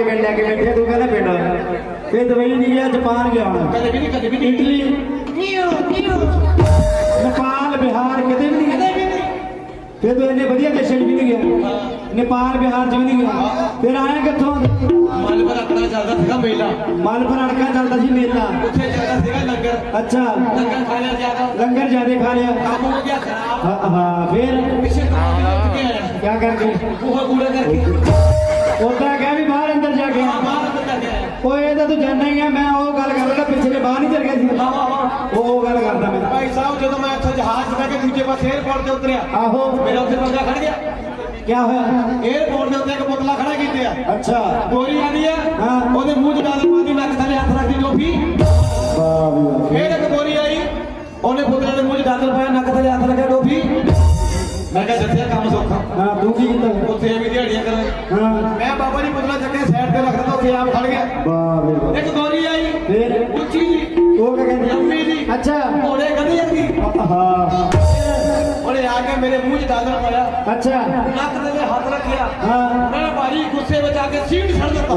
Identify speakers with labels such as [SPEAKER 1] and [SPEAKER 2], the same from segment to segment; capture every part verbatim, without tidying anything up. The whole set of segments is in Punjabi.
[SPEAKER 1] के पिंड लैके बैठे तू कहना पिंड फिर दुबई नहीं गया जापान गया
[SPEAKER 2] कदे भी नहीं कदे भी नहीं
[SPEAKER 1] इटली नेपाल बिहार किते भी नहीं फिर तो इन्ने वधिया देशों भी नहीं गया नेपाल बिहार च भी नहीं गया फिर आया कित्थों
[SPEAKER 2] मल पर अड़का चलदा सीगा मेला
[SPEAKER 1] मल पर अड़का चलदा सी मेला
[SPEAKER 2] उत्थे चलदा सीगा लंगर
[SPEAKER 1] अच्छा
[SPEAKER 2] लंगर खा लिया ज्यादा
[SPEAKER 1] लंगर ज्यादा खा लिया
[SPEAKER 2] काम हो गया खराब
[SPEAKER 1] हाँ हाँ फिर
[SPEAKER 2] पिछले काम के आया
[SPEAKER 1] क्या करके
[SPEAKER 2] वो कूड़ा करके
[SPEAKER 1] उतना क्या भी बाहर अंदर जाके
[SPEAKER 2] बाहर अंदर जाके आया
[SPEAKER 1] ਉਹ ਇਹ ਤਾਂ ਤੂੰ ਜਾਣਦਾ ਹੀ ਆ ਮੈਂ ਉਹ ਗੱਲ ਕਰ ਰਿਹਾ ਪਿੱਛੇ ਬਾਹਰ ਨਹੀਂ ਚਲ ਗਿਆ ਸੀ
[SPEAKER 2] ਹਾਂ ਹਾਂ
[SPEAKER 1] ਉਹ ਉਹ ਗੱਲ ਕਰਦਾ ਮੈਂ
[SPEAKER 2] ਭਾਈ ਸਾਹਿਬ ਜਦੋਂ ਮੈਂ ਇੱਥੇ ਜਹਾਜ਼ ਤੇ ਕੇ ਦੂਜੇ ਪਾਸੇ 에어ਪੋਰਟ ਤੇ ਉਤਰਿਆ
[SPEAKER 1] ਆਹੋ
[SPEAKER 2] ਮੇਰਾ ਉੱਥੇ ਬੰਦਾ ਖੜ ਗਿਆ
[SPEAKER 1] ਕੀ ਹੋਇਆ
[SPEAKER 2] 에어ਪੋਰਟ ਦੇ ਉੱਤੇ ਇੱਕ ਪੁਤਲਾ ਖੜਾ ਕੀਤੇ ਆ
[SPEAKER 1] ਅੱਛਾ
[SPEAKER 2] ਗੋਰੀ ਆਂਦੀ ਆ
[SPEAKER 1] ਹਾਂ
[SPEAKER 2] ਉਹਦੇ ਮੂੰਹ 'ਚ ਡਾਲ ਪਾਦੀ ਨੱਕ ਥੱਲੇ ਹੱਥ ਰੱਖਦੀ ਟੋਪੀ
[SPEAKER 1] ਵਾਹ ਵਾਹ
[SPEAKER 2] ਫੇਰ ਇੱਕ ਗੋਰੀ ਆਈ ਉਹਨੇ ਪੁਤਲੇ ਦੇ ਮੂੰਹ 'ਚ ਡਾਲ ਪਾਇਆ ਨੱਕ ਥੱਲੇ ਹੱਥ ਰੱਖਿਆ ਟੋਪੀ ਮੈਂ ਕਿਹਾ ਦੱਸਿਆ ਕੰਮ ਸੌਖਾ
[SPEAKER 1] ਹਾਂ ਤੂੰ ਕੀ ਕੀਤਾ
[SPEAKER 2] ਉੱਥੇ ਵੀ ਦਿਹਾੜੀਆਂ ਕਰਾਂ
[SPEAKER 1] ਹਾਂ
[SPEAKER 2] ਮੈਂ ਬਾਬਾ ਜੀ ਪੁਤਲਾ ਚੱਕੇ ਸਾਈਡ ਤੇ ਰੱਖਦਾ ਉੱਥੇ ਆਪ ਖੜ ਗਿਆ
[SPEAKER 1] ਵਾਹ ਵਾਹ
[SPEAKER 2] ਇੱਕ ਗੋਰੀ ਆਈ
[SPEAKER 1] ਫਿਰ
[SPEAKER 2] ਉੱਚੀ ਜੀ
[SPEAKER 1] ਉਹ ਕੀ ਕਹਿੰਦੀ
[SPEAKER 2] ਲੰਮੀ ਜੀ
[SPEAKER 1] ਅੱਛਾ
[SPEAKER 2] ਘੋੜੇ ਕਦੀ ਜਾਂਦੀ
[SPEAKER 1] ਹਾਂ
[SPEAKER 2] ਉਹਨੇ ਆ ਕੇ ਮੇਰੇ ਮੂੰਹ 'ਚ ਡਾਲਰ ਪਾਇਆ
[SPEAKER 1] ਅੱਛਾ
[SPEAKER 2] ਨੱਕ ਤੇ ਹੱਥ ਰੱਖਿਆ
[SPEAKER 1] ਹਾਂ
[SPEAKER 2] ਮੈਂ ਭਾਰੀ ਗੁੱਸੇ ਵਿੱਚ ਆ ਕੇ ਸੀਟ ਛੱਡ ਦਿੱਤਾ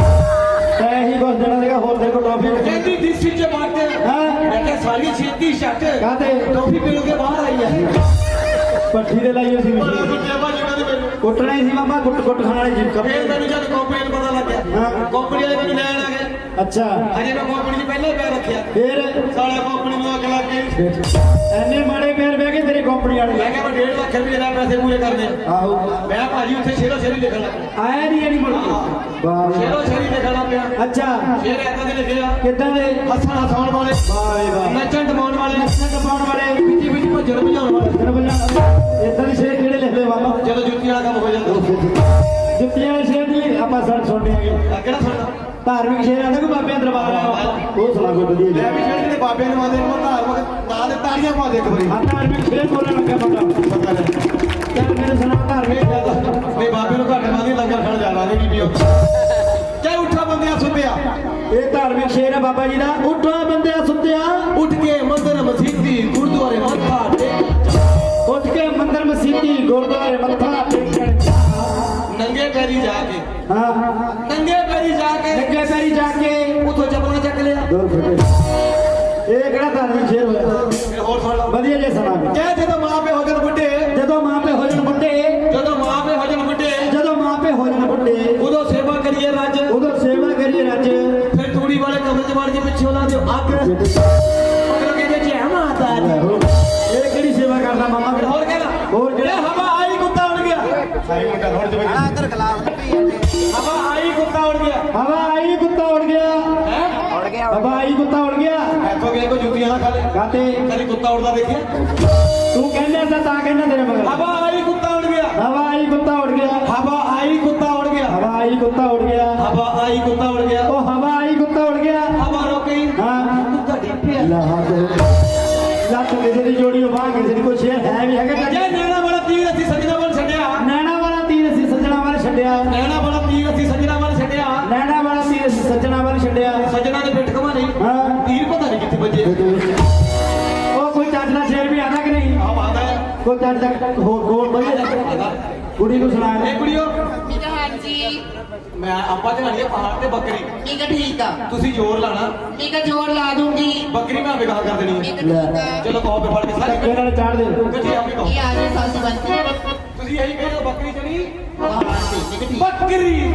[SPEAKER 1] ਤੈ ਹੀ ਕੁਝ ਦੇਣਾ ਸੀਗਾ ਹੋਰ ਤੇਰੇ ਕੋਲ ਟੋਫੀ
[SPEAKER 2] ਕਹਿੰਦੀ ਦਿਸ ਵਿੱਚ ਬਾਟੇ
[SPEAKER 1] ਹਾਂ
[SPEAKER 2] ਮੈਂ ਕਿਹਾ ਸਾਰੀ ਛੇਤੀ ਛੱਟ
[SPEAKER 1] ਕਾਹਤੇ
[SPEAKER 2] ਟੋਪੀ ਪੀਣ ਕੇ ਬਾਹਰ ਆਈ ਹੈ
[SPEAKER 1] ਪੱਠੀ ਦੇ ਲਾਈ ਸੀ
[SPEAKER 2] ਬੜਾ ਕੁੱਟਿਆ ਭਾਜੀ ਕਹਿੰਦੇ ਮੈਨੂੰ
[SPEAKER 1] ਕੁੱਟਣਾ ਹੀ ਸੀ ਮਾਮਾ ਕੁੱਟ ਕੁੱਟ ਖਾਣ ਵਾਲੀ ਜੀ
[SPEAKER 2] ਫੇਰ ਮੈਨੂੰ ਜਦ ਕੰਪਨੀ ਨੂੰ ਪਤਾ ਲੱਗਿਆ
[SPEAKER 1] ਹਾਂ
[SPEAKER 2] ਕੰਪਨੀ ਵਾਲੇ ਮੈਨੂੰ ਲੈਣ ਆ ਗਏ
[SPEAKER 1] ਅੱਛਾ
[SPEAKER 2] ਅਜੇ ਮੈਂ ਕੰਪਨੀ 'ਚ ਪਹਿਲਾਂ ਹੀ ਪੈਰ ਰੱਖਿਆ
[SPEAKER 1] ਫਿਰ
[SPEAKER 2] ਸਾਲਾ ਕੰਪਨੀ ਨੂੰ ਅੱਗ ਲੱਗ ਗਈ
[SPEAKER 1] ਐਨੇ ਮਾੜੇ ਪੈਰ ਬਹਿ ਕੇ ਤੇਰੀ ਕੰਪਨੀ ਵਾਲੇ
[SPEAKER 2] ਮੈਂ ਕਿਹਾ ਮੈਂ ਡੇਢ ਲੱਖ ਰੁਪਏ ਦਾ ਪੈਸੇ ਪੂਰੇ ਕਰਨੇ
[SPEAKER 1] ਆਹੋ
[SPEAKER 2] ਮੈਂ ਭਾਜੀ ਉੱਥੇ ਸ਼ੇਰੋ ਸ਼ੇਰੀ ਲਿਖਣ ਲੱਗ
[SPEAKER 1] ਆਇਆ ਨਹੀਂ ਐਨੀ ਮੁੜ ਕੇ ਵਾਹ
[SPEAKER 2] ਸ਼ੇਰੋ ਸ਼ੇਰੀ ਲਿਖਣਾ ਪਿਆ
[SPEAKER 1] ਅੱਛਾ
[SPEAKER 2] ਸ਼ੇਰ ਏਦਾਂ ਦੇ ਲਿਖੇ ਆ
[SPEAKER 1] ਕਿੱਦਾਂ ਦੇ
[SPEAKER 2] ਹੱਸਣ ਹਸਾਉਣ ਵਾਲੇ
[SPEAKER 1] ਵਾਹ ਵਾਹ
[SPEAKER 2] ਨੱਚਣ ਟਪਾਉਣ ਵਾਲੇ
[SPEAKER 1] ਨੱਚਣ ਟਪਾਉਣ ਵਾਲੇ
[SPEAKER 2] ਪਿੱਛੇ ਪਿੱਛੇ ਭੱਜਣ ਭਜਾਉਣ ਵਾਲੇ
[SPEAKER 1] ਤੈਨੂੰ ਬੋਲਾਂ ਇਦਾਂ ਦੇ ਸ਼ੇਰ ਕਿਹੜੇ ਲਿਖਦੇ ਮਾਮਾ
[SPEAKER 2] ਜਦੋਂ ਜੁੱਤੀਆਂ ਵਾਲਾ ਕੰਮ ਹੋ ਜਾਂਦਾ
[SPEAKER 1] ਜੁੱਤੀਆਂ ਵਾਲੇ ਸ਼ੇਰ ਨਹੀਂ ਆਪਾਂ ਸੜ ਸੁਣਨੇ ਆਗੇ
[SPEAKER 2] ਆ ਕਿਹੜਾ ਸੁਣਦਾ
[SPEAKER 1] ਧਾਰਮਿਕ ਸ਼ੇਰ ਆਂਦਾ ਕੋਈ ਬਾਬਿਆਂ ਦਰਬਾਰ ਆ ਉਹ ਸੁਣਾ ਕੋਈ ਵਧੀਆ
[SPEAKER 2] ਮੈਂ ਵੀ ਜਿਹੜੇ ਦੇ ਬਾਬੇ ਨੂੰ ਆਦੇ ਨੂੰ ਧਾਰਮਿਕ ਨਾਂ ਦੇ ਤਾੜੀਆਂ ਪਾ ਦੇ ਇੱਕ ਵਾਰੀ
[SPEAKER 1] ਹਾਂ ਧਾਰਮਿਕ ਸ਼ੇਰ ਬੋਲਣ ਲੱਗਾ ਬੰਦਾ
[SPEAKER 2] ਪਤਾ ਨਹੀਂ
[SPEAKER 1] ਚੱਲ ਮੈਨੂੰ ਸੁਣਾ ਧਾਰਮਿਕ
[SPEAKER 2] ਨਹੀਂ ਬਾਬੇ ਨੂੰ ਘੱਟ ਮਾਦੀ ਲੰਗਰ ਖਾਣ ਜਾਣਾ ਨਹੀਂ ਬੀਬੀਓ ਚਾਹੇ ਉੱਠਾ ਬੰਦਿਆ ਸੁੱਤਿਆ
[SPEAKER 1] ਇਹ ਧਾਰਮਿਕ ਸ਼ੇਰ ਹੈ ਬਾਬਾ ਜੀ ਦਾ ਉੱਠਾ ਬੰਦਿਆ ਸੁੱਤਿਆ
[SPEAKER 2] ਉੱਠ ਕੇ ਮੰਦਰ ਮਸੀਤੀ ਗੁਰਦੁਆਰੇ ਮੱਥਾ ਟੇਕ
[SPEAKER 1] ਉੱਠ ਕੇ ਮੰਦਰ ਮਸੀਤੀ ਗੁਰਦੁਆਰੇ ਮੱਥਾ ਟੇਕਣ
[SPEAKER 2] ਨੰਗੇ ਪੈਰੀ ਜਾ ਕੇ
[SPEAKER 1] ਹਾਂ
[SPEAKER 2] ਨੰਗੇ ਪੈਰੀ ਜਾ ਕੇ
[SPEAKER 1] ਲੱਗੇ ਪੈਰੀ ਜਾ ਕੇ
[SPEAKER 2] ਉਥੋਂ ਚੱਪਲਾਂ ਚੱਕ ਲਿਆ
[SPEAKER 1] ਦੂਰ ਫਿਰੇ ਇਹ ਕਿਹੜਾ ਧਾਰਮਿਕ ਸ਼ੇਰ ਹੋਇਆ
[SPEAKER 2] ਫਿਰ ਹੋਰ ਸੁਣ ਲਓ
[SPEAKER 1] ਵਧੀਆ ਜੇ ਸੁਣਾ
[SPEAKER 2] ਕਹਿ ਜਦੋਂ ਮਾਂ ਪਿਓ ਹੋ ਜਾਣ ਬੁੱਢੇ
[SPEAKER 1] ਜਦੋਂ ਮਾਂ ਪਿਓ ਹੋ ਜਾਣ ਬੁੱਢੇ
[SPEAKER 2] ਜਦੋਂ ਮਾਂ ਪਿਓ ਹੋ ਜਾਣ ਬੁੱਢੇ
[SPEAKER 1] ਜਦੋਂ ਮਾਂ ਪਿਓ ਹੋ ਜਾਣ ਬੁੱਢੇ
[SPEAKER 2] ਉਦੋਂ ਸੇਵਾ ਕਰੀਏ ਰੱਜ
[SPEAKER 1] ਉਦੋਂ ਸੇਵਾ ਕਰੀਏ ਰੱਜ
[SPEAKER 2] ਫਿਰ ਤੂੜੀ ਵਾਲੇ ਕਮਰੇ 'ਚ ਵੜ ਕੇ ਪਿੱਛੇ ਉਹਨਾਂ ਦੇ ਅੱਗ ਮਗਰੋਂ ਕਹਿੰਦੇ ਜੈ ਮਾਤਾ ਦੀ
[SPEAKER 1] ਇਹ ਕਿਹੜੀ ਸੇਵਾ ਕਰਦਾ ਮਾਮਾ
[SPEAKER 2] ਫਿਰ ਹੋਰ ਕਹਿੰਦਾ
[SPEAKER 1] ਹੋਰ
[SPEAKER 2] ਜਿਹੜਾ ਹਵਾ ਆਈ ਕੁੱਤਾ ਉੜ ਗਿਆ
[SPEAKER 1] ਸਾਈ ਮੁੰਡਾ ਥੋੜ ਜਿਹਾ
[SPEAKER 2] ਆਦਰ ਖਲਾਫ ਹਵਾ ਆਈ ਕੁੱਤਾ ਉੜ ਗਿਆ
[SPEAKER 1] ਹਵਾ ਆਈ ਕੁੱਤਾ ਉੜ ਗਿਆ
[SPEAKER 2] ਹੈ
[SPEAKER 3] ਉੜ ਗਿਆ
[SPEAKER 1] ਹਵਾ ਆਈ ਕੁੱਤਾ ਉੜ ਗਿਆ
[SPEAKER 2] ਇੱਥੋਂ ਗਿਆ ਕੋ ਜੁੱਤੀਆਂ ਨਾ ਖਾਲੇ
[SPEAKER 1] ਕਾਤੇ
[SPEAKER 2] ਕਦੀ ਕੁੱਤਾ ਉੜਦਾ ਦੇਖਿਆ
[SPEAKER 1] ਤੂੰ ਕਹਿੰਦਾ ਤਾਂ ਤਾਂ ਕਹਿੰਦਾ ਤੇਰੇ ਮਗਰ
[SPEAKER 2] ਹਵਾ ਆਈ ਕੁੱਤਾ ਉੜ ਗਿਆ
[SPEAKER 1] ਹਵਾ ਆਈ ਕੁੱਤਾ ਉੜ ਗਿਆ
[SPEAKER 2] ਹਵਾ ਆਈ ਕੁੱਤਾ ਉੜ ਗਿਆ
[SPEAKER 1] ਹਵਾ ਆਈ ਕੁੱਤਾ ਉੜ ਗਿਆ
[SPEAKER 2] ਹਵਾ ਆਈ ਕੁੱਤਾ ਉੜ ਗਿਆ
[SPEAKER 1] ਉਹ ਹਵਾ ਆਈ ਕੁੱਤਾ ਉੜ ਗਿਆ
[SPEAKER 2] ਹਵਾ ਰੁਕ ਗਈ
[SPEAKER 1] ਹਾਂ
[SPEAKER 2] ਕੁੱਤਾ ਡਿੱਪਿਆ
[SPEAKER 1] ਲਾਹ ਦੇ ਲੱਤ ਕਿਸੇ ਦੀ ਜੋੜੀ ਬਾਹ ਕਿਸੇ ਦੀ ਕੋਈ ਸ਼ੇਰ ਹੈ ਵੀ ਹੈਗਾ
[SPEAKER 2] ਜੇ ਨੈਣਾ ਵਾਲਾ ਤੀਰ ਅਸੀਂ ਸੱਜਣਾ ਵੱਲ ਛੱਡਿਆ
[SPEAKER 1] ਨੈਣਾ ਵਾਲਾ ਤੀਰ ਅਸੀਂ ਸੱਜਣਾ ਵੱਲ ਛੱਡਿਆ
[SPEAKER 2] ਨੈਣਾ ਵਾਲਾ ਤੀਰ ਅਸੀਂ ਸੱਜਣਾ ਵੱਲ ਛੱਡਿਆ
[SPEAKER 1] ਨੈਣਾ ਵਾਲਾ ਤੀਰ ਅਸੀਂ ਸੱਜਣਾ ਵੱਲ ਛੱਡਿਆ
[SPEAKER 2] ਸੱਜਣਾ ਦੇ ਪਿੱਠ ਘਮਾ ਨਹੀਂ
[SPEAKER 1] ਹਾਂ
[SPEAKER 2] ਤੀਰ ਪਤਾ ਨਹੀਂ ਕਿੱਥੇ ਵੱਜੇ
[SPEAKER 1] ਉਹ ਕੋਈ ਚੱਜ ਦਾ ਸ਼ੇਰ ਵੀ ਆਦਾ ਕਿ ਨਹੀਂ
[SPEAKER 2] ਆਹ ਆਦਾ ਹੈ
[SPEAKER 1] ਕੋਈ ਚੱਜ ਦਾ ਹੋਰ ਗੋਲ ਵਧੀਆ ਕੁੜੀ ਨੂੰ ਸੁਣਾ
[SPEAKER 2] ਇਹ ਕੁੜੀਓ
[SPEAKER 3] ਠੀਕ ਹੈ ਹਾਂਜੀ
[SPEAKER 2] ਮੈਂ ਆਪਾਂ ਚੜਾਣੀ ਪਹਾੜ ਤੇ ਬੱਕਰੀ
[SPEAKER 3] ਠੀਕ ਹੈ ਠੀਕ ਆ
[SPEAKER 2] ਤੁਸੀਂ ਜ਼ੋਰ ਲਾਣਾ
[SPEAKER 3] ਠੀਕ ਹੈ ਜੋਰ ਲਾ ਦੂੰਗੀ
[SPEAKER 2] ਬੱਕਰੀ ਮੈਂ ਵਿਗਾਹ ਕਰ ਦੇਣੀ
[SPEAKER 3] ਠੀਕ ਹੈ ਠੀਕ ਹੈ
[SPEAKER 2] ਚਲੋ ਕਹੋ ਪੇ ਫੜ ਕੇ ਸਾਰੀ
[SPEAKER 1] ਧੱਕੇ ਨਾਲ ਚਾੜ ਦੇ
[SPEAKER 2] ਗੱਡੀ ਆਪੇ ਕਹੋ
[SPEAKER 3] ਇਹ ਆ ਗਈ ਸਾਸੀ ਬੰਤੀ
[SPEAKER 2] ਤੁਸੀਂ ਇਹੀ ਕਹਿੰਦੇ ਬੱਕਰੀ ਚੜੀ
[SPEAKER 3] ਹਾਂ ਠੀਕ ਹੈ ਠੀਕ
[SPEAKER 2] ਬੱਕਰੀ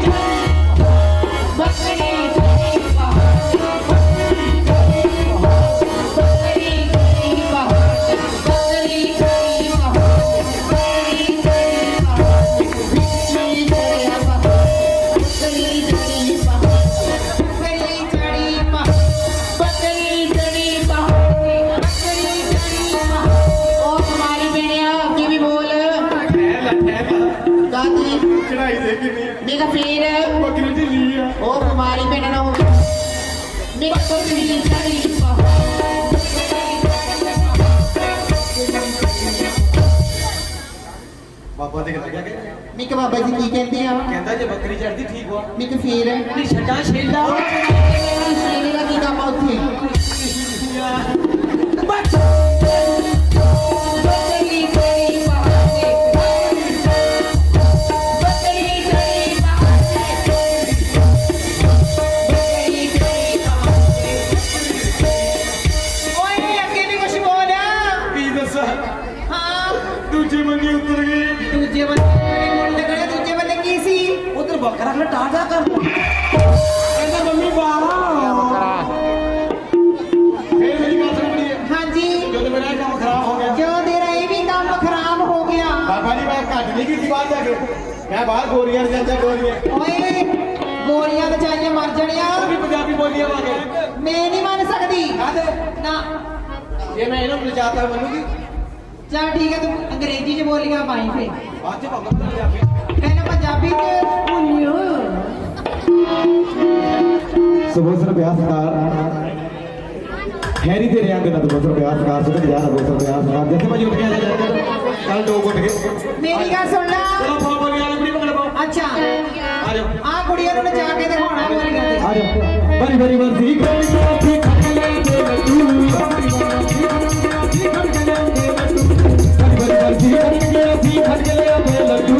[SPEAKER 3] ਬੱਕਰੀ ਚੜੀ ਪਹਾੜ ਬੱਕਰੀ ਚੜੀ ਪਹਾੜ ਬੱਕਰੀ ਚੜੀ ਪਹਾੜ ਬੱਕਰੀ ਚੜੀ ਪਹਾੜ ਬੱਕਰੀ ਚੜੀ ਪਹਾੜ ਬਿੱਲੀ ਚੜੀ ਪਹਾੜ ਬੱਕਰੀ ਚੜੀ ਪਹਾੜ ਬੱਕਰੀ ਚੜੀ ਪਹਾੜ ਬੱਕਰੀ ਚੜੀ ਪਹਾੜ ਬੱਕਰੀ ਚੜੀ ਪਹਾੜ ਉਹ ਹਮਾਰੀ ਬੇੜਿਆ ਅੱਗੇ ਵੀ ਬੋਲ ਗਾਦੀ
[SPEAKER 2] ਚੜਾਈ ਦੇ ਕਿੰਨੀ
[SPEAKER 3] ਮੇਰਾ ਫੇਰ
[SPEAKER 2] ਬੱਕਰੀ ਢਿੱਲੀ ਆ
[SPEAKER 3] ਉਹ ਬਿਮਾਰੀ ਪੈਣਾ ਨਾ ਹੋਵੇ ਮੇਰਾ ਬੱਕਰੀ ਚੜੀ ਪਹਾੜ
[SPEAKER 2] ਬਾਬਾ ਦੇ ਲੱਗਿਆ ਕਿ
[SPEAKER 3] ਮਿਕ ਬਾਬਾ ਜੀ ਕੀ ਕਹਿੰਦੇ ਆ
[SPEAKER 2] ਕਹਿੰਦਾ ਜੇ ਬੱਕਰੀ ਚੜਦੀ ਠੀਕ ਵਾ
[SPEAKER 3] ਮਿਕ ਫੇਰ
[SPEAKER 2] ਨਹੀਂ ਛੱਡਾ ਛੇਲਾ
[SPEAKER 3] ਸ਼ੇਰੇ ਦਾ ਕੀ ਕੰਮ ਆ ਉੱਥੇ ਬੱਕਰੀ ਚੜੀ ਪਹਾੜ ਬੱਕਰੀ ਚੜੀ ਪਹਾੜ
[SPEAKER 2] ਉਧਰ ਬੱਕਰਾ ਖੜਾ ਟਾਟਾ ਕਰ ਕਹਿੰਦਾ ਮੰਮੀ ਬਾਹਰ ਫੇਰ ਮੇਰੀ ਗੱਲ ਸੁਣਨੀ ਹੈ
[SPEAKER 3] ਹਾਂਜੀ
[SPEAKER 2] ਜਦੋਂ ਮੇਰਾ ਇਹ ਕੰਮ ਖਰਾਬ ਹੋ ਗਿਆ
[SPEAKER 3] ਜੋ ਤੇਰਾ ਇਹ ਵੀ ਕੰਮ ਖਰਾਬ ਹੋ ਗਿਆ
[SPEAKER 2] ਬਾਬਾ ਜੀ ਮੈਂ ਘੱਟ ਨਹੀਂ ਕੀਤੀ ਬਾਹਰ ਜਾ ਕੇ ਮੈਂ ਬਾਹਰ ਗੋਰੀਆਂ ਨੂੰ ਜਾਂਦਾ ਗੋਰੀਆਂ
[SPEAKER 3] ਓਏ ਗੋਲੀਆਂ ਤੇ ਚਾਹੀਏ ਮਰ ਜਾਣਿਆ
[SPEAKER 2] ਉਹ ਵੀ ਪੰਜਾਬੀ ਬੋਲੀਆਂ ਵਾਂਗੇ
[SPEAKER 3] ਮੈਂ ਨਹੀਂ ਮੰਨ ਸਕਦੀ
[SPEAKER 2] ਕਾਹਦੇ
[SPEAKER 3] ਨਾ
[SPEAKER 2] ਜੇ ਮੈਂ ਇਹਨਾਂ ਨੂੰ ਲਜਾਤਾ ਮੰਨੂਗੀ
[SPEAKER 3] ਚੱਲ ਠੀਕ ਹੈ ਤੂੰ ਅੰਗਰੇਜ਼ੀ ਚ ਬੋਲੀਆਂ ਪਾਈ ਫੇ
[SPEAKER 2] ਅੱਜ ਭੰਗ ਪੰਜਾਬੀ
[SPEAKER 3] ਪਹਿਲਾਂ ਪੰਜਾਬੀ ਚ ਬੋਲਿਓ
[SPEAKER 1] ਸਬੋਸਰ ਬਿਆਸਕਾਰ ਹੈਰੀ ਤੇ ਰਿਆਂ ਦੇ ਨਾਲ ਸਬੋਸਰ ਬਿਆਸਕਾਰ ਸੁਣ ਜਾ ਸਬੋਸਰ ਬਿਆਸਕਾਰ ਜਿੱਥੇ ਮੈਂ ਉੱਠ ਗਿਆ ਜਾ ਕੱਲ ਦੋ ਉੱਠ ਗਏ
[SPEAKER 3] ਮੇਰੀ ਗੱਲ ਸੁਣ ਲੈ
[SPEAKER 2] ਚਲੋ ਫੋਨ ਬੋਲੀਆਂ ਵਾਲੀ ਕੁੜੀ ਪਕੜ ਪਾਓ
[SPEAKER 3] ਅੱਛਾ
[SPEAKER 2] ਆ ਜਾਓ
[SPEAKER 3] ਆ ਕੁੜੀਆਂ ਨੂੰ ਨਚਾ ਕੇ ਦਿਖਾਉਣਾ ਬੋਲੀਆਂ ਤੇ
[SPEAKER 1] ਆ ਜਾ ਬੜੀ ਬੜੀ ਵਰਦੀ ਕਰੀ ਆਪੀ ਖੱਟ ਲੈ ਕੇ ਲੱਡੂ ਬੜੀ ਵਰਦੀ ਕਰੀ ਆਪੀ ਖੱਟ ਲੈ ਕੇ ਲੱਡੂ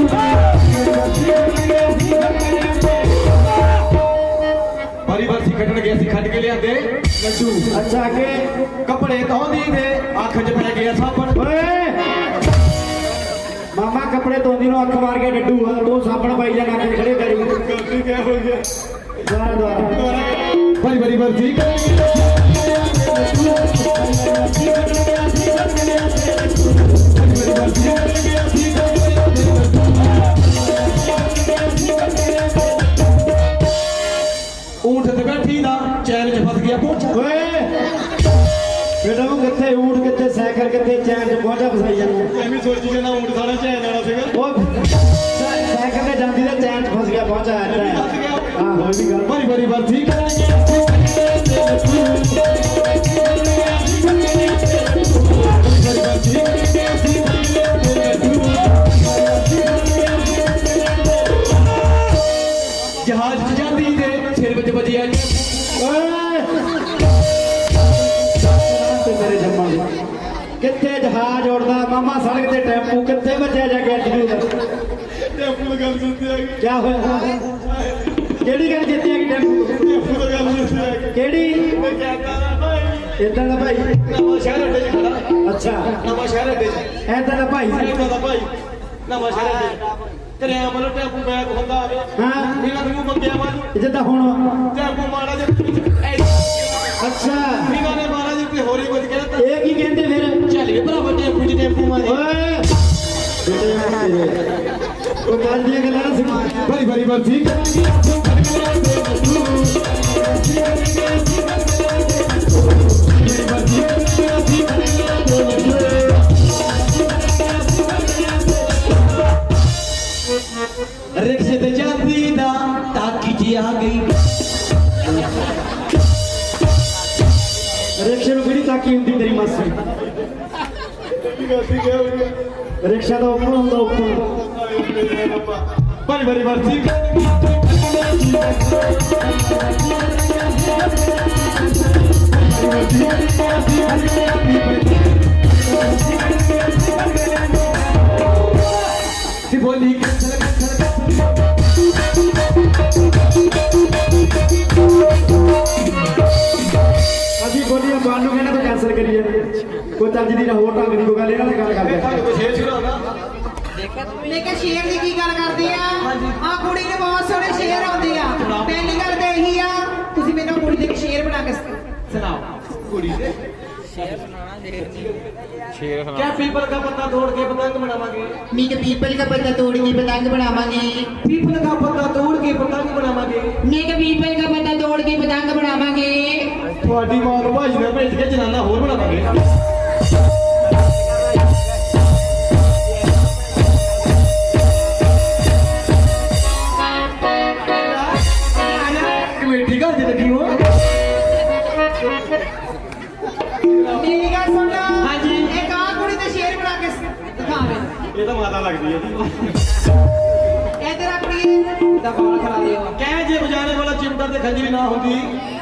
[SPEAKER 2] ਬੜੀ ਵਰਦੀ ਕੱਢਣ ਗਏ ਅਸੀਂ ਖੱਟ ਕੇ ਲਿਆਂਦੇ ਲੱਡੂ
[SPEAKER 1] ਅੱਛਾ ਕਿ
[SPEAKER 2] ਕੱਪੜੇ ਧੋਂਦੀ ਦੇ ਅੱਖ 'ਚ ਪੈ ਗਿਆ ਸਾਬਣ
[SPEAKER 1] ਓਏ ਮਾਮਾ ਕੱਪੜੇ ਧੋਂਦੀ ਨੂੰ ਅੱਖ ਮਾਰ ਕੇ ਡੱਡੂ ਆ ਤੂੰ ਸਾਬਣ ਪਾਈ ਜਾ ਨੱਕ 'ਚ ਖੜੇ ਕਰੀ
[SPEAKER 2] ਗਲਤੀ ਕਿਆ ਹੋ ਗਿਆ
[SPEAKER 1] ਦੁਆਰਾ ਦੁਆਰਾ
[SPEAKER 2] ਬੜੀ ਬੜੀ ਵਰਦੀ ਊਂਠ ਤੇ ਬੈਠੀ ਦਾ ਚੈਨ 'ਚ ਫਸ ਗਿਆ ਪਹੁੰਚਾ
[SPEAKER 1] ਓਏ ਬੇਟਾ ਉਹ ਕਿੱਥੇ ਊਠ ਕਿੱਥੇ ਸਾਈਕਲ ਕਿੱਥੇ ਚੈਨ 'ਚ ਪਹੁੰਚਾ ਫਸਾਈ ਜਾਂਦਾ
[SPEAKER 2] ਐਵੇਂ ਸੋਚੀ ਜਾਂਦਾ ਊਂਠ ਸਾਰਾ ਚੈਨ ਵਾਲਾ ਸੀਗਾ
[SPEAKER 1] ਉਹ ਸਾਈਕਲ ਤੇ ਜਾਂਦੀ ਤੇ ਚੈਨ 'ਚ ਫਸ ਗਿਆ ਪਹੁੰਚਾ ਹਾਂ ਹੋਈ ਵੀ ਗੱਲ
[SPEAKER 2] ਬੜੀ ਬੜੀ ਵਰਦੀ ਜਹਾਜ਼ 'ਚ ਜਾਂਦੀ ਦੇ ਸਿਰ ਵਿੱਚ ਵੱਜਿਆ
[SPEAKER 1] ਓਏ ਤੇ ਮੇਰੇ ਜੰਮਾ ਦੇ ਕਿੱਥੇ ਜਹਾਜ਼ ਉੜਦਾ ਮਾਮਾ ਸੜਕ ਤੇ ਟੈਂਪੂ ਕਿੱਥੇ ਵੱਜਿਆ ਜਾ ਕੇ ਅੱਡੂ ਦਾ
[SPEAKER 2] ਟੈਂਪੂ ਦੀ ਗੱਲ ਸੁਣਦੇ ਆ
[SPEAKER 1] ਕੀ ਹੋਇਆ ਕਿਹੜੀ ਗੱਲ ਜਿੱਤੀ ਆ ਕਿ ਟੈਂਪੂ
[SPEAKER 2] ਟੈਂਪੂ ਦੀ ਗੱਲ ਸੁਣਦੇ ਆ
[SPEAKER 1] ਕਿਹੜੀ
[SPEAKER 2] ਮੈਂ ਕਹਿੰਦਾ ਨਾ ਭਾਈ
[SPEAKER 1] ਇਦਾਂ ਦਾ ਭਾਈ
[SPEAKER 2] ਨਵਾਂ ਸ਼ਹਿਰ ਅੱਡੇ 'ਚ ਖੜਾ
[SPEAKER 1] ਅੱਛਾ
[SPEAKER 2] ਨਵਾਂ ਸ਼ਹਿਰ ਅੱਡੇ 'ਚ
[SPEAKER 1] ਇਦਾਂ ਦਾ ਭਾਈ
[SPEAKER 2] ਇੱਦਾਂ ਦਾ ਭਾਈ ਨਵਾਂ ਸ਼ਹਿਰ ਅੱਡੇ 'ਚ ਤੇਰਿਆਂ ਵੱਲੋਂ ਟੈਂਪੂ ਬੈਗ ਹੁੰਦਾ ਆਵੇ
[SPEAKER 1] ਹਾਂ
[SPEAKER 2] ਇਹਨਾਂ ਨੂੰ ਮੰਗਿਆ ਵਾਲੀ
[SPEAKER 1] ਜਿੱਦਾਂ ਹੁਣ
[SPEAKER 2] ਟੈਂਪੂ ਮਾੜਾ ਜਿਹਾ
[SPEAKER 1] ਅੱਛਾ
[SPEAKER 2] ਇਹਨਾਂ ਨੇ ਮਾੜਾ ਜਿਹਾ ਤੇ ਹੋਰੀ ਵੱਜ ਗਿਆ ਤਾਂ
[SPEAKER 1] ਇਹ ਕੀ ਕਹਿੰਦੇ ਫਿਰ
[SPEAKER 2] ਚੱਲ ਭਰਾਵਾ ਟੈਂਪੂ 'ਚ ਟੈਂਪੂ ਮਾਰੇ
[SPEAKER 1] ਓਏ ਉਹ ਕੱਲ ਦੀਆਂ ਗੱਲਾਂ ਨਾ ਸੁਣਾ
[SPEAKER 2] ਬੜੀ ਬੜੀ ਵਰਦੀ ਰਿਕਸ਼ੇ ਤੇ ਜਾਂਦੀ ਦਾ ਟਾਕੀ 'ਚ ਆ ਗਈ
[SPEAKER 1] ਰਿਕਸ਼ੇ ਨੂੰ ਕਿਹੜੀ ਤਾਕੀ ਹੁੰਦੀ ਤੇਰੀ ਮਾਸੀ
[SPEAKER 2] ਗਲਤੀ ਕਿਆ ਹੋ ਗਈ
[SPEAKER 1] ਰਿਕਸ਼ਾ ਦਾ ਉੱਪਰ ਹੁੰਦਾ ਉੱਪਰ
[SPEAKER 2] ਬੜੀ ਬੜੀ ਵਰਦੀ ਸੀ ਬੋਲੀ ਕਿਸਰ
[SPEAKER 1] ਅਸੀਂ ਬੋਲੀਏ ਬਾਲ ਨੂੰ ਕਹਿੰਦੇ ਤਾਂ ਕੈਂਸਲ ਕਰੀਏ ਕੋਈ ਚੱਜ ਦੀ ਨਾ ਹੋਰ ਢੰਗ ਦੀ ਕੋਈ ਗੱਲ ਇਹਨਾਂ ਨਾਲ ਗੱਲ ਕਰਦੇ
[SPEAKER 2] ਤੁਹਾਨੂੰ ਕੋਈ ਸ਼ੇਰ ਸੁਣਾਉਣਾ
[SPEAKER 3] ਮੈਂ ਕਿਹਾ ਸ਼ੇਰ ਦੀ ਕੀ ਗੱਲ ਕਰਦੇ ਆ ਆ ਕੁੜੀ ਦੇ ਬਹੁਤ ਸੋਹਣੇ ਸ਼ੇਰ ਆਉਂਦੇ ਆ ਪਹਿਲੀ ਗੱਲ ਤਾਂ ਇਹੀ ਆ ਤੁਸੀਂ ਮੈਨੂੰ ਕੁੜੀ ਦੇ ਇੱਕ ਸ਼ੇਰ ਬਣਾ ਕੇ
[SPEAKER 2] ਸੁਣਾਓ ਕੁੜੀ ਦੇ ਸ਼ੇਰ ਸੁਣਾਣਾ ਸ਼ੇਰ ਸੁਣਾ ਕਿਆ ਪੀਪਲ ਦਾ ਪੱਤਾ ਤੋੜ ਕੇ ਪਤੰਗ ਬਣਾਵਾਂਗੇ
[SPEAKER 3] मीट पीपल का पत्ता तोड़ के पतंग बनावांगे
[SPEAKER 2] ਪੀਪਲ ਦਾ ਪੱਤਾ ਤੋੜ ਕੇ ਪਤੰਗ ਬਣਾਵਾਂਗੇ
[SPEAKER 3] मीट पीपल का पत्ता तोड़ के पतंग बनावांगे
[SPEAKER 2] ਤੁਹਾਡੀ ਮਾਂ ਨੂੰ ਭਾਜੀ ਨਾਲ ਭੇਜ ਕੇ ਜਨਾਨਾ ਹੋਰ ਬਣਾਵਾਂਗੇ ਕਮੇਟੀ ਘਰ ਚ ਲੱਗੀ ਹੋ
[SPEAKER 3] मेरी गल सुन
[SPEAKER 2] ਹਾਂਜੀ।
[SPEAKER 3] एक आ कुड़ी ते शेर बना के दिखावे
[SPEAKER 2] ਇਹ ਤਾਂ ਮਾਤਾ ਲੱਗਦੀ ਹੈ ਜੀ
[SPEAKER 3] इधर आ कुड़ी दा बाल खरा दियो
[SPEAKER 2] ਕਹਿ ਜੇ ਬਜਾਣੇ ਵਾਲਾ ਚਿਮਟਾ ਤੇ ਖੰਜਰੀ ਨਾ ਹੁੰਦੀ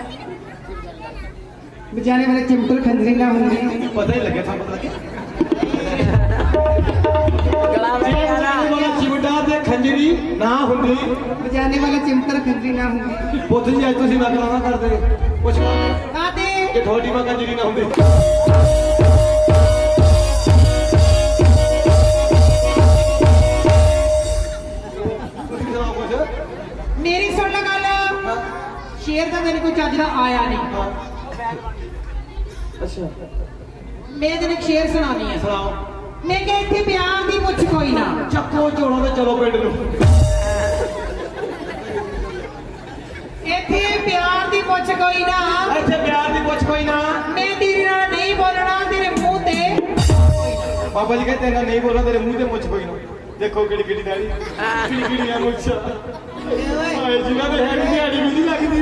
[SPEAKER 3] बजाने वाले चिंपल खंजरी ना होंगी
[SPEAKER 2] ਪਤਾ ਹੀ ਲੱਗਿਆ ਸਾਨੂੰ ਪਤਾ ਬਜਾਣੇ ਵਾਲਾ ਚਿਮਟਾ ਤੇ ਖੰਜਰੀ ਨਾ ਹੁੰਦੀ
[SPEAKER 3] बजाने वाले चिंपल खंजरी ना होंगी
[SPEAKER 2] ਪੁੱਤ ਜੀ ਅੱਜ ਤੁਸੀਂ ਨਕਲਾਂ ਨਾ ਕਰਦੇ ਕੁਛ
[SPEAKER 3] आते
[SPEAKER 2] ਕਿ ਤੁਹਾਡੀ ਮਾਂ ਕੰਜਰੀ ਨਾ ਹੁੰਦੀ ਤੁਸੀਂ ਸੁਣਾਓ ਕੁਛ
[SPEAKER 3] ਮੇਰੀ ਸੁਣ ਲੈ ਗੱਲ ਸ਼ੇਰ ਤਾਂ ਤੈਨੂੰ ਕੋਈ ਚੱਜ ਦਾ ਆਇਆ ਨਹੀਂ
[SPEAKER 2] ਅੱਛਾ
[SPEAKER 3] ਮੈਂ ਤੈਨੂੰ ਇੱਕ ਸ਼ੇਰ ਸੁਣਾਉਣੀ ਆ
[SPEAKER 2] ਸੁਣਾਓ
[SPEAKER 3] ਮੈਂ ਕਿਹਾ ਇੱਥੇ ਪਿਆਰ ਦੀ ਪੁੱਛ ਕੋਈ ਨਾ
[SPEAKER 2] ਚੱਕੋ ਝੋਲਾ ਤੇ ਚਲੋ ਪਿੰਡ ਨੂੰ
[SPEAKER 3] ਇੱਥੇ ਪਿਆਰ ਦੀ ਪੁੱਛ ਕੋਈ ਨਾ
[SPEAKER 2] ਇੱਥੇ ਪਿਆਰ ਦੀ ਪੁੱਛ ਕੋਈ ਨਾ
[SPEAKER 3] ਮੈਂ ਤੇਰੇ ਨਾਲ ਨਹੀਂ ਬੋਲਣਾ ਤੇਰੇ ਮੂੰਹ ਤੇ
[SPEAKER 2] ਬਾਬਾ ਜੀ ਕਹਿੰਦੇ ਤੇਰੇ ਨਾਲ ਨਹੀਂ ਬੋਲਣਾ ਤੇਰੇ ਮੂੰਹ ਤੇ ਮੁੱਛ ਕੋਈ ਨਾ ਦੇਖੋ ਕਿਹੜੀ ਕਿਹੜੀ ਦਾੜੀ ਕਿਹੜੀ ਕਿਹੜੀ ਆ ਮੁੱਛ ਹਾਏ ਜਿਨ੍ਹਾਂ ਦੇ ਹੈਡ ਦਿਹਾੜੀ ਵੀ ਨਹੀਂ ਲੱਗਦੀ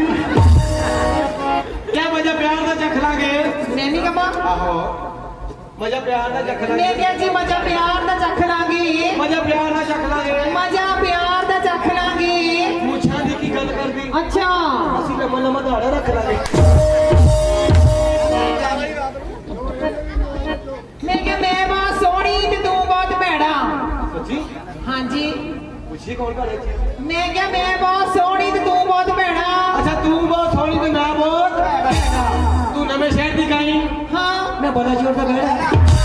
[SPEAKER 2] ਕਿਆ ਮਜ਼ਾ ਪਿਆਰ ਦਾ ਚੱਖ ਲਾਂਗੇ
[SPEAKER 3] ਮੈਂ ਨਹੀਂ ਕਮਾ
[SPEAKER 2] ਆਹੋ ਮਜ਼ਾ ਪਿਆਰ ਦਾ ਚੱਖ
[SPEAKER 3] ਮੈਂ
[SPEAKER 2] ਲਾਂਗੇ
[SPEAKER 3] ਕਿਹਾ ਜੀ ਮਜ਼ਾ ਪਿਆਰ ਦਾ ਚੱਖ ਲਾਂਗੇ
[SPEAKER 2] ਮਜ਼ਾ ਪਿਆਰ ਦਾ ਚੱਖ ਲਾਂਗੇ
[SPEAKER 3] ਮਜ਼ਾ ਪਿਆਰ ਦਾ ਚੱਖ ਲਾਂਗੇ
[SPEAKER 2] ਮੁੱਛਾਂ ਦੀ ਕੀ ਗੱਲ ਕਰਦੀ
[SPEAKER 3] ਅੱਛਾ
[SPEAKER 2] ਅਸੀਂ ਤਾਂ ਮਨ ਮਧਾੜਾ ਰੱਖ ਲਾਂਗੇ
[SPEAKER 3] ਮੈਂ ਕਿਹਾ ਮੈਂ ਬਹੁਤ ਸੋਹਣੀ ਤੇ ਤੂੰ ਬਹੁਤ ਭੈੜਾ
[SPEAKER 2] ਸੱਚੀ
[SPEAKER 3] ਹਾਂਜੀ
[SPEAKER 2] ਪੁੱਛੀ ਕੌਣ ਘੜੇ ਚ
[SPEAKER 3] ਮੈਂ ਕਿਹਾ ਮੈਂ ਬਹੁਤ ਸੋਹਣੀ ਤੇ ਤੂੰ ਬਹੁਤ ਭੈੜਾ
[SPEAKER 2] ਅੱਛਾ ਤੂੰ ਬਹੁਤ ਸੋਹਣੀ ਤੇ ਮੈਂ ਬਹੁਤ ਭੈੜਾ ਤੂੰ ਨਵੇਂ ਸ਼ਹਿਰ ਦੀ ਗਾਈ
[SPEAKER 3] ਹਾਂ
[SPEAKER 2] ਮੈਂ ਬੜਾ ਜ਼ੋਰ ਦਾ ਬੈਠਾ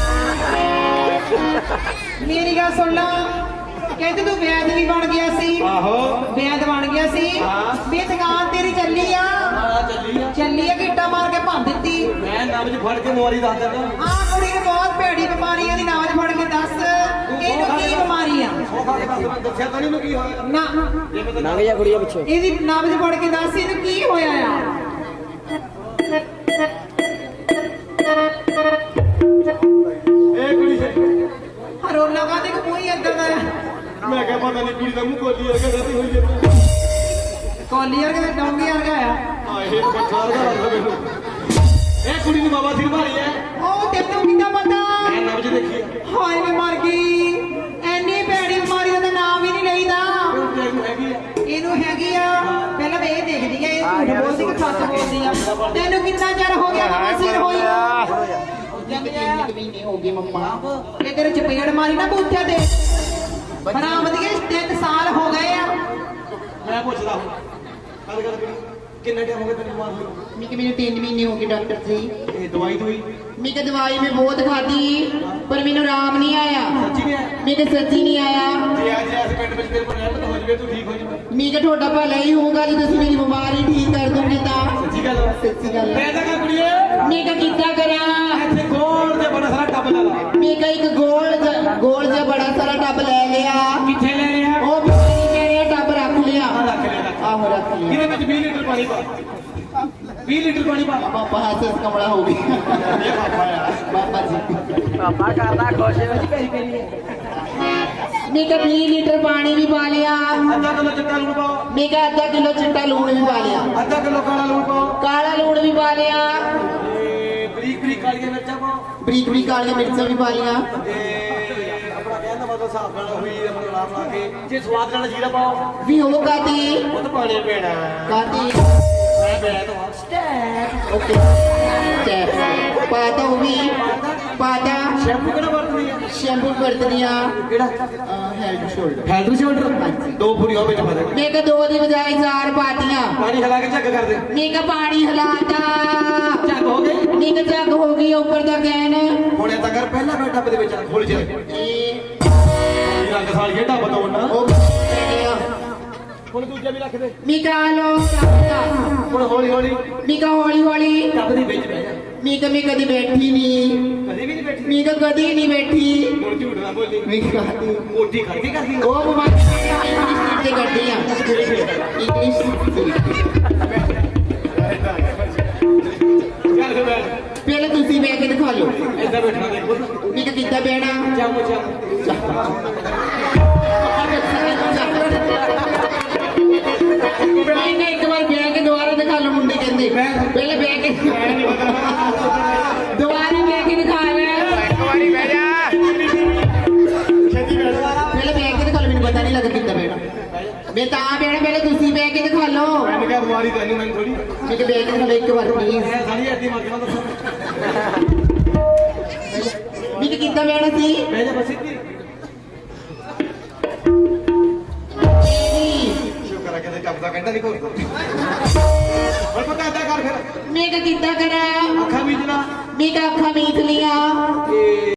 [SPEAKER 3] ਮੇਰੀ ਗੱਲ ਸੁਣ ਲਾ ਕਹਿੰਦੇ ਤੂੰ ਵੈਦ ਵੀ ਬਣ ਗਿਆ ਸੀ
[SPEAKER 2] ਆਹੋ
[SPEAKER 3] ਵੈਦ ਬਣ ਗਿਆ ਸੀ
[SPEAKER 2] ਹਾਂ।
[SPEAKER 3] ਵੀ ਦੁਕਾਨ ਤੇਰੀ ਚੱਲੀ ਆ
[SPEAKER 2] ਆ ਚੱਲੀ ਆ
[SPEAKER 3] ਚੱਲੀ ਆ ਗਿੱਟਾ ਮਾਰ ਕੇ ਭੰਨ ਦਿੱਤੀ
[SPEAKER 2] ਮੈਂ ਨਬਜ ਫੜ ਕੇ ਮੋਰੀ ਦੱਸ ਦਿੰਦਾ
[SPEAKER 3] ਆਹ ਕੁੜੀ ਨੂੰ ਬਹੁਤ ਭੈੜੀ ਬਿਮਾਰੀ ਆ ਦੀ ਨਾਜ ਫੜ ਕੇ ਦੱਸ ਇਹਨੂੰ ਕੀ ਬਿਮਾਰੀ ਆ
[SPEAKER 2] ਉਹ ਖਾ ਕੇ ਦੱਸ ਮੈਂ ਦੱਸਿਆ ਤਾਂ ਨਹੀਂ ਨੂੰ ਕੀ ਹੋਇਆ
[SPEAKER 3] ਨਾ
[SPEAKER 2] ਨੰਗ ਜਾ ਕੁੜੀਆਂ ਪਿੱਛੇ
[SPEAKER 3] ਇਹਦੀ ਨਾਬਜ ਫੜ ਕੇ ਦੱਸ ਇਹਨੂੰ ਕੀ ਹੋਇਆ ਆ
[SPEAKER 2] ਇਹ ਕੁੜੀ
[SPEAKER 3] ਹਰੋਲਾ ਕਾਦੇ ਕੋ ਕੋਈ ਏਦਾਂ ਦਾ ਆ
[SPEAKER 2] ਮੈਂ ਕਿਹਾ ਪਤਾ ਨਹੀਂ ਕੁੜੀ ਦਾ ਮੂੰਹ ਕੋਲੀ ਵਰਗਾ ਰਹੀ ਹੋਈ ਹੈ
[SPEAKER 3] ਕੋਲੀ ਵਰਗਾ ਤੇ ਡੋਂਗੀ ਵਰਗਾ ਆ
[SPEAKER 2] ਆ ਇਹ ਬੱਚਾਰ ਦਾ ਰੰਗ ਮੈਨੂੰ ਇਹ ਕੁੜੀ ਨੂੰ ਬਾਬਾ ਸਿਰ ਮਾਰੀ ਹੈ
[SPEAKER 3] ਉਹ ਤੈਨੂੰ ਕਿੱਦਾਂ ਪਤਾ
[SPEAKER 2] ਮੈਂ ਨਬਜ ਦੇਖੀ ਹੈ
[SPEAKER 3] ਹਾਏ ਮੈਂ ਮਰ ਗਈ ਐਨੀ ਭੈੜੀ ਬਿਮਾਰੀ ਦਾ ਤਾਂ ਨਾਮ ਹੀ ਨਹੀਂ ਲਈਦਾ
[SPEAKER 2] ਉਹ ਤੈਨੂੰ ਹੈਗੀ ਹੈ
[SPEAKER 3] ਇਹਨੂੰ ਹੈਗੀ ਆ ਪਹਿਲਾਂ ਮੈਂ ਇਹ ਦੇਖਦੀ ਆ ਇਹ ਝੂਠ ਬੋਲਦੀ ਕਿ ਸੱਚ ਬੋਲਦੀ ਆ ਤੈਨੂੰ ਕਿੰਨਾ ਚਿਰ ਹੋ ਗਿਆ ਬਾਬਾ ਸਿਰ ਹੋਈ ਮਹੀਨੇ ਹੋ ਗਏ ਮੰਮਾ ਇਹ ਤੇਰੇ ਚਪੇੜ ਮਾਰੀ ਨਾ ਬੂਥਿਆ ਤੇ ਬਣਾ ਵਧੀਆ ਤਿੰਨ ਸਾਲ ਹੋ ਗਏ ਆ
[SPEAKER 2] ਮੈਂ ਪੁੱਛਦਾ ਹਾਂ ਗੱਲ ਕਰ ਕਿੰਨਾ ਟਾਈਮ ਹੋ ਗਿਆ ਤੈਨੂੰ ਬਿਮਾਰ ਹੋਈ
[SPEAKER 3] ਮੈਂ ਕਿ ਮੈਨੂੰ ਤਿੰਨ ਮਹੀਨੇ ਹੋ ਗਏ ਡਾਕਟਰ ਜੀ
[SPEAKER 2] ਇਹ ਦਵਾਈ ਦੋਈ
[SPEAKER 3] ਮੈਂ ਕਿ ਦਵਾਈ ਮੈਂ ਬਹੁਤ ਖਾਧੀ ਪਰ ਮੈਨੂੰ ਆਰਾਮ ਨਹੀਂ ਆਇਆ
[SPEAKER 2] ਸੱਚੀ ਨੇ
[SPEAKER 3] ਮੈਂ ਕਿ ਸੱਚੀ ਨਹੀਂ ਆਇਆ
[SPEAKER 2] ਜੇ ਅੱਜ ਇਸ ਪਿੰਡ ਵਿੱਚ ਤੇਰੇ ਕੋਲ ਰਹਿਮਤ ਹੋ ਜਵੇ ਤੂੰ ਠੀਕ ਹੋ ਜਵੇ
[SPEAKER 3] ਮੈਂ ਕਿ ਤੁਹਾਡਾ ਭਲਾ ਹੀ ਹੋਊਗਾ ਜੇ ਤੁਸੀਂ ਮੇਰੀ ਬਿਮਾਰੀ ਠੀਕ ਕਰ ਦੋਗੇ ਤਾਂ
[SPEAKER 2] ਸੱਚੀ ਗੱਲ
[SPEAKER 3] ਸੱਚੀ ਗੱਲ
[SPEAKER 2] ਮੈਂ ਤਾਂ ਕਹਾਂ ਕੁੜੀਏ
[SPEAKER 3] ਮੈਂ ਕਿ ਕਿੱਦਾਂ ਕਰਾਂ
[SPEAKER 2] ਇੱਥੇ ਗੋਲ ਤੇ ਬੜਾ ਸਾਰਾ ਟੱਬ ਲਾ ਲਾ
[SPEAKER 3] ਮੈਂ ਕਿ ਇੱਕ ਗੋਲ ਜਿਹਾ- ਗੋਲ ਜਿਹਾ ਬੜਾ ਸਾਰਾ ਟੱਬ ਲੈ ਲਿਆ
[SPEAKER 2] ਕਿੱਥੇ ਲੈ ਲਿਆ
[SPEAKER 3] ਉਹ ਬਿਮਾਰੀ ਕਹਿ ਰਿਹਾ ਟੱਬ ਰੱਖ ਲਿਆ
[SPEAKER 2] ਆਹ ਰੱਖ ਲਿਆ ਰੱਖ ਲਿਆ।
[SPEAKER 3] ਆਹੋ ਰੱਖ ਲਿਆ
[SPEAKER 2] ਇਹਦੇ ਵਿੱਚ ਵੀਹ ਲੀਟਰ ਪਾਣੀ ਪਾ ਵੀਹ ਲੀਟਰ ਪਾਣੀ ਪਾ
[SPEAKER 3] ਪਾਪਾ ਹਾਸੇ ਕਮਲਾ ਹੋ ਗਈ
[SPEAKER 2] ਇਹ ਪਾਪਾ ਯਾਰ
[SPEAKER 3] ਬਾਬਾ ਜੀ
[SPEAKER 4] ਪਾਪਾ ਕਰਦਾ ਖੁਸ਼ ਵਿੱਚ ਪੇਰੀ ਪੇਰੀ
[SPEAKER 3] ਮੈਂ ਕਿ ਵੀਹ ਲੀਟਰ ਪਾਣੀ ਵੀ ਪਾ ਲਿਆ
[SPEAKER 2] ਅੱਧਾ ਕਿਲੋ ਚਿੱਟਾ ਲੂਣ ਪਾਓ
[SPEAKER 3] ਮੈਂ ਕਿ ਅੱਧਾ ਕਿਲੋ ਚਿੱਟਾ ਲੂਣ ਵੀ ਪਾ ਲਿਆ
[SPEAKER 2] ਅੱਧਾ ਕਿਲੋ ਕਾਲਾ ਲੂਣ ਪਾਓ
[SPEAKER 3] ਕਾਲਾ ਲੂਣ ਵੀ ਪਾ ਲਿਆ
[SPEAKER 2] ਤੇ ਬਰੀਕ ਬਰੀਕ ਕਾਲੀਆਂ ਮਿਰਚਾਂ ਪਾਓ
[SPEAKER 3] ਬਰੀਕ ਬਰੀਕ ਕਾਲੀਆਂ ਮਿਰਚਾਂ ਵੀ ਪਾ ਲੀਆਂ
[SPEAKER 2] ਤੇ ਆਪਣਾ ਕਹਿਣ ਦਾ ਮਤਲਬ ਹਿਸਾਬ ਨਾਲ ਹੋਈ ਆਪਣਾ ਨਾਮ ਲਾ ਕੇ ਜੇ ਸਵਾਦ ਨਾਲ ਜੀਰਾ ਪਾਓ
[SPEAKER 3] ਵੀ ਉਹ ਕਾਤੀ
[SPEAKER 2] ਉਹ ਤਾਂ ਪਾਣੀ ਪੈਣਾ
[SPEAKER 3] ਕਾਤੀ
[SPEAKER 2] ਮੈਂ ਬੈਠ ਹਾਂ
[SPEAKER 3] ਓਕੇ ਚੈਪ ਪਾਤਾ ਉਹ ਵੀ ਪਾਤਾ
[SPEAKER 2] ਸ਼ੈਂਪੂ ਕਿਹੜਾ ਵਰਤਦੀ ਹੈ
[SPEAKER 3] ਸ਼ੈਂਪੂ ਵਰਤਨੀਆ
[SPEAKER 2] ਕਿਹੜਾ
[SPEAKER 3] ਹੈਡ ਸ਼ੋਲਡਰ
[SPEAKER 2] ਹੈਲਥ ਸ਼ੋਲਡਰ ਦੋ ਪੂਰੀਆਂ ਵਿੱਚ ਪਾ ਦੇ
[SPEAKER 3] ਮੈਂ ਕਿ ਦੋ ਦੀ ਬਜਾਏ ਚਾਰ ਪਾਤੀਆਂ
[SPEAKER 2] ਪਾਣੀ ਹਲਾ ਕੇ ਝੱਗ ਕਰ ਦੇ
[SPEAKER 3] ਮੈਂ ਕਿ ਪਾਣੀ ਹਿਲਾਤਾ
[SPEAKER 2] ਝੱਗ ਹੋ ਗਈ
[SPEAKER 3] ਮੈਂ ਕਿ ਜੱਗ ਹੋ ਗਈ ਉੱਪਰ ਦਾ ਕੈਨ
[SPEAKER 2] ਹੁਣ ਇਹ ਤਾਂ ਕਰ ਪਹਿਲਾਂ ਮੈਂ ਟੱਬ ਦੇ ਵਿੱਚ ਖੋਲ ਜਾ
[SPEAKER 3] ਇਹ
[SPEAKER 2] ਰੰਗ ਸਾਲ ਖੇਡਾ ਬਤਾਉਣਾ
[SPEAKER 3] ਉਹ ਕਿਹੜਿਆ
[SPEAKER 2] ਹੁਣ ਦੂਜਾ ਵੀ ਰੱਖ ਦੇ
[SPEAKER 3] ਮੀਕਾ ਲੋ
[SPEAKER 2] ਹੁਣ ਹੌਲੀ ਹੌਲੀ
[SPEAKER 3] ਮੀਕਾ ਹੌਲੀ ਹੌਲੀ
[SPEAKER 2] ਟੱਬ ਦੇ ਵਿੱਚ ਬਹਿ ਜਾ
[SPEAKER 3] ਮੀਕਾ ਮੈਂ ਕਦੀ ਬੈਠੀ ਨਹੀਂ
[SPEAKER 2] ਕਦੇ ਵੀ ਨਹੀਂ ਬੈਠੀ
[SPEAKER 3] ਮੀਕਾ ਕਦੀ ਨਹੀਂ ਬੈਠੀ
[SPEAKER 2] ਹੁਣ ਝੂਠ ਨਾ ਬੋਲੀ
[SPEAKER 3] ਮੀਕਾ
[SPEAKER 2] ਮੋਟੀ ਖੜਕੀ ਕਰਦੀ
[SPEAKER 3] ਉਹ ਬਿਮਾਰੀ ਇੰਗਲਿਸ਼ ਸੀਟ ਤੇ ਕਰਦੀ ਆ ਇੰਗਲਿਸ਼ ਸੀਟ
[SPEAKER 2] ਚੱਲ ਫਿਰ ਬੈਠ
[SPEAKER 3] ਪਹਿਲਾਂ ਤੁਸੀਂ ਬਹਿ ਕੇ ਦਿਖਾ ਲਓ
[SPEAKER 2] ਏਦਾਂ ਬੈਠਣਾ ਦੇਖੋ
[SPEAKER 3] ਮੀਕਾ ਕਿੱਦਾਂ ਬਹਿਣਾ
[SPEAKER 2] ਚਾਮੋ ਚਾਮੋ
[SPEAKER 3] ਨਹੀਂ ਨਹੀਂ ਇੱਕ ਵਾਰ ਬਹਿ ਕੇ ਦੁਬਾਰਾ ਦਿਖਾ ਲਓ ਮੁੰਡੇ ਕਹਿੰਦੇ ਪਹਿਲੇ ਬਹਿ ਕੇ ਦੁਬਾਰਾ ਬਹਿ ਕੇ ਦਿਖਾ ਲੈ
[SPEAKER 4] ਇੱਕ ਵਾਰੀ ਬਹਿ ਜਾ
[SPEAKER 2] ਛੇਤੀ ਬੈਠ
[SPEAKER 3] ਪਹਿਲੇ ਬਹਿ ਕੇ ਦਿਖਾ ਲਓ ਮੈਨੂੰ ਪਤਾ ਨਹੀਂ ਲੱਗਾ ਕਿੱਦਾਂ ਬਹਿਣਾ ਮੈਂ ਤਾਂ ਬਹਿਣਾ ਪਹਿਲੇ ਤੁਸੀਂ ਬਹਿ ਕੇ ਦਿਖਾ ਲਓ
[SPEAKER 2] ਮੈਂ ਕਿਹਾ ਬਿਮਾਰੀ ਤੈਨੂੰ ਮੈਨੂੰ ਥੋੜੀ
[SPEAKER 3] ਮੈਂ ਕਿ ਬਹਿ ਕੇ ਦਿਖਾ ਲਓ ਇੱਕ ਵਾਰ ਪਲੀਜ਼
[SPEAKER 2] ਮੈਂ ਸਾਰੀ ਐਡੀ ਮਰ ਕੇ ਦੱਸੋ
[SPEAKER 3] ਮੈਂ ਕਿ ਕਿੱਦਾਂ ਬਹਿਣਾ ਸੀ
[SPEAKER 2] ਬਹਿ ਜਾ ਬਸ ਸਿੱਧੀ ਸ਼ੁਕਰ ਹੈ ਕਿ ਟੱਬ ਦਾ ਕੰਡਾ ਨਹੀਂ ਘੋਰਦਾ ਹੁਣ ਪਤਾ ਏਦਾਂ ਕਰ ਫਿਰ
[SPEAKER 3] ਮੈਂ ਕਿ ਕਿੱਦਾਂ ਕਰਾਂ
[SPEAKER 2] ਅੱਖਾਂ ਮੀਚਣਾ
[SPEAKER 3] ਮੈਂ ਕਿ ਅੱਖਾਂ ਮੀਚ ਲੀਆਂ